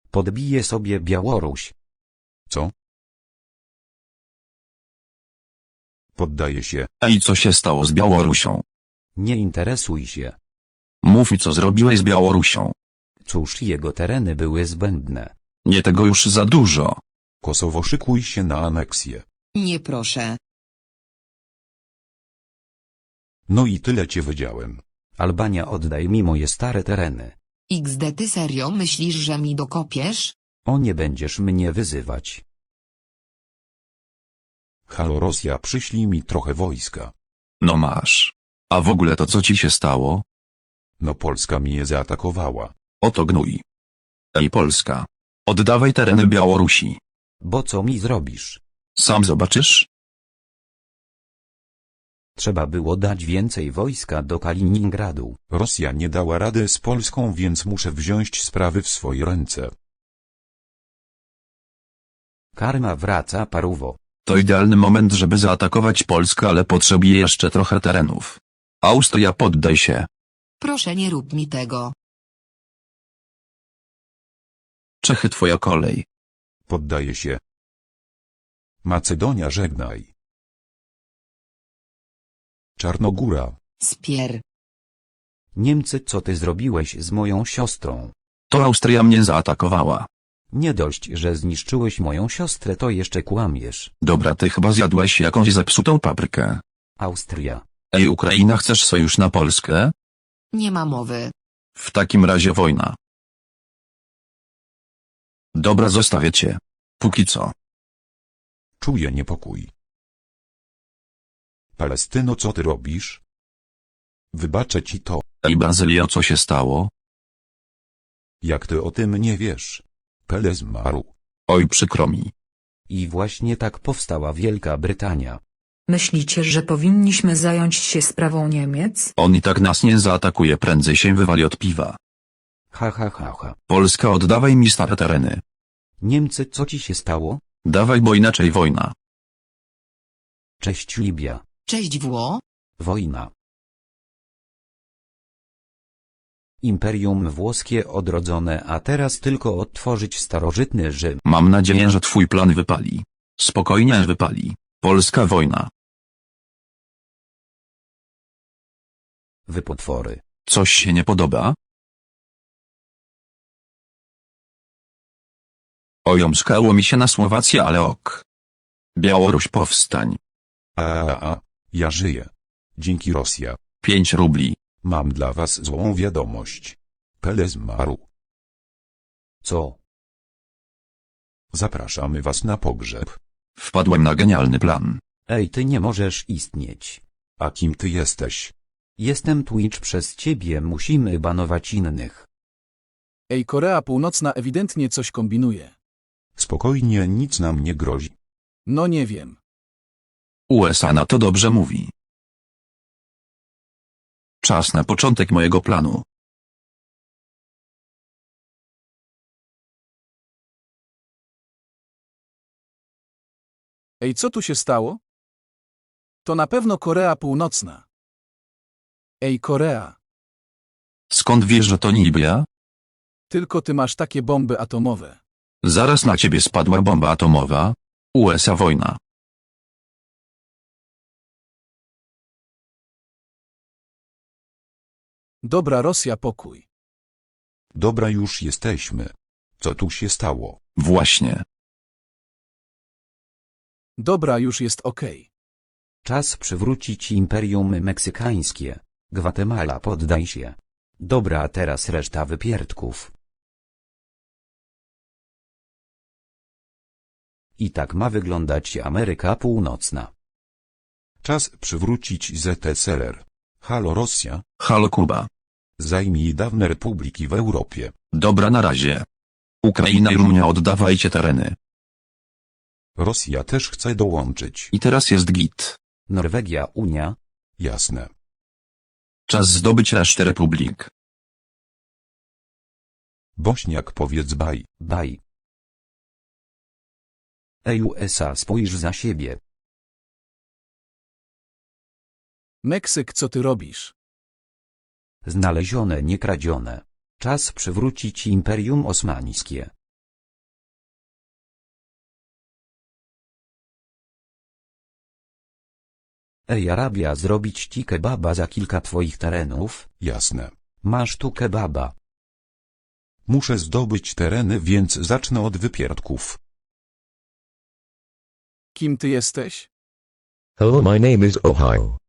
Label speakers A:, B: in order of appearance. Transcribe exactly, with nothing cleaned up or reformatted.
A: Podbije sobie Białoruś.
B: Co? Poddaję się.
C: Ej, co się stało z Białorusią?
A: Nie interesuj się.
C: Mów mi, co zrobiłeś z Białorusią.
A: Cóż, jego tereny były zbędne.
C: Nie tego już za dużo.
B: Kosowo, szykuj się na aneksję.
D: Nie proszę.
B: No i tyle cię wiedziałem.
A: Albania, oddaj mi moje stare tereny.
D: X D, ty serio myślisz, że mi dokopiesz?
A: O, nie będziesz mnie wyzywać.
B: Halo Rosja, przyślij mi trochę wojska.
C: No masz. A w ogóle to co ci się stało?
B: No Polska mnie zaatakowała.
C: Oto gnój. Ej, Polska. Oddawaj tereny Białorusi.
A: Bo co mi zrobisz?
C: Sam zobaczysz?
A: Trzeba było dać więcej wojska do Kaliningradu.
B: Rosja nie dała rady z Polską, więc muszę wziąć sprawy w swoje ręce.
A: Karma wraca, paruwo.
C: To idealny moment, żeby zaatakować Polskę, ale potrzebuję jeszcze trochę terenów. Austria, poddaj się.
D: Proszę, nie rób mi tego.
C: Czechy, twoja kolej.
B: Poddaję się. Macedonia, żegnaj. Czarnogóra.
D: Spier.
A: Niemcy, co ty zrobiłeś z moją siostrą?
C: To Austria mnie zaatakowała.
A: Nie dość, że zniszczyłeś moją siostrę, to jeszcze kłamiesz.
C: Dobra, ty chyba zjadłeś jakąś zepsutą paprykę.
A: Austria.
C: Ej, Ukraina, chcesz sojusz na Polskę?
D: Nie ma mowy.
C: W takim razie wojna. Dobra, zostawię cię. Póki co.
B: Czuję niepokój. Palestyno, co ty robisz? Wybaczę ci to.
C: Ej, Brazylia, co się stało?
B: Jak ty o tym nie wiesz? Pele zmarł.
C: Oj, przykro mi.
A: I właśnie tak powstała Wielka Brytania.
E: Myślicie, że powinniśmy zająć się sprawą Niemiec?
C: On i tak nas nie zaatakuje, prędzej się wywali od piwa.
A: Ha ha ha ha.
C: Polska, oddawaj mi stare tereny.
A: Niemcy, co ci się stało?
C: Dawaj, bo inaczej wojna.
A: Cześć Libia.
D: Cześć Wło.
A: Wojna. Imperium włoskie odrodzone, a teraz tylko odtworzyć starożytny Rzym.
C: Mam nadzieję, że twój plan wypali. Spokojnie, wypali. Polska wojna.
A: Wy potwory.
C: Coś się nie podoba? Ojomskało mi się na Słowację, ale ok. Białoruś, powstań.
B: A, a, a, ja żyję. Dzięki Rosja.
C: Pięć rubli.
B: Mam dla was złą wiadomość. Pele zmarł.
A: Co?
B: Zapraszamy was na pogrzeb.
C: Wpadłem na genialny plan.
A: Ej, ty nie możesz istnieć.
B: A kim ty jesteś?
A: Jestem Twitch, przez ciebie musimy banować innych.
F: Ej, Korea Północna ewidentnie coś kombinuje.
B: Spokojnie, nic nam nie grozi.
F: No nie wiem.
C: U S A na to dobrze mówi. Czas na początek mojego planu.
F: Ej, co tu się stało? To na pewno Korea Północna. Ej, Korea,
C: Skąd wiesz, że to Libia?
F: tylko ty masz takie bomby atomowe.
C: Zaraz na ciebie spadła bomba atomowa. U S A wojna.
F: Dobra, Rosja, pokój.
B: Dobra, już jesteśmy. Co tu się stało?
C: Właśnie.
F: Dobra, już jest okej.
A: Czas przywrócić Imperium Meksykańskie. Gwatemala, poddaj się. Dobra, a teraz reszta wypierdków. I tak ma wyglądać Ameryka Północna.
B: Czas przywrócić Z S R R. Halo Rosja,
C: Halo Kuba.
B: zajmij dawne republiki w Europie.
C: Dobra, na razie. Ukraina i Rumunia, oddawajcie tereny.
B: Rosja też chce dołączyć.
C: I teraz jest git.
A: Norwegia, Unia.
B: Jasne.
C: Czas zdobyć resztę republik.
B: Bośniak, powiedz baj.
A: Baj. Ej, U S A, spójrz za siebie.
F: Meksyk, co ty robisz?
A: Znalezione, nie kradzione. Czas przywrócić Imperium Osmańskie. Ej Arabia, zrobić ci kebaba za kilka twoich terenów?
B: Jasne.
A: Masz tu kebaba.
B: Muszę zdobyć tereny, więc zacznę od wypierdków.
F: Kim ty jesteś?
G: Hello, my name is Ohio.